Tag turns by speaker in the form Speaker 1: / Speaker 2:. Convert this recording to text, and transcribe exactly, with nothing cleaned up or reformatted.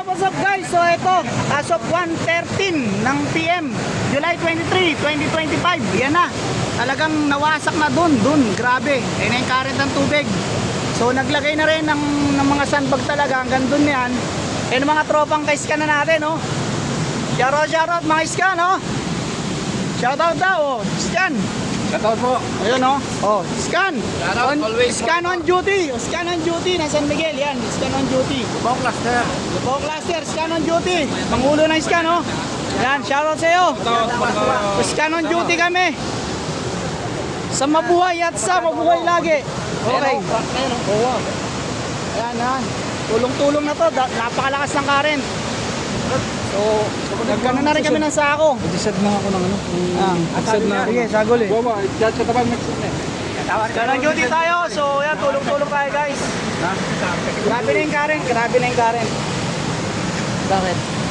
Speaker 1: what's up guys? So ito, as of one thirteen ng P M, July twenty-three, twenty twenty-five, yan na. Talagang nawasak na dun, dun, grabe. Ayun na yung current ng tubig. So naglagay na rin ng, ng mga sandbag talaga, hanggang dun yan. Ayun mga tropang ka-scan na natin, oh. Shoutout, shoutout mga scan, oh. Shoutout daw, oh. Scan.
Speaker 2: Shoutout po.
Speaker 1: Ayun, oh. Oh, scan.
Speaker 2: Shoutout,
Speaker 1: On,
Speaker 2: always.
Speaker 1: scan on duty. Oh, scan on duty na San Miguel, yan. Scan on duty.
Speaker 2: Bong cluster.
Speaker 1: Lubao Cluster, scan on duty. Pangulo ng scan, oh. Yan, shoutout sa iyo. Scan on duty kami. Sa mabuhay at sa mabuhay lagi. Okay. Ayan, yan. Tulong-tulong na to. Da- Napakalakas ng current. So, nagkano na rin kami ng sako.
Speaker 2: Disad na ako ng ano.
Speaker 1: Ah,
Speaker 2: Disad na ako.
Speaker 1: sige, sagol eh.
Speaker 2: Bawa, dyan sa tabang mix na eh.
Speaker 1: Scan on duty tayo. So, yan, tulong-tulong tayo guys. Grabe na yung current. Grabe na yung current. Bakit?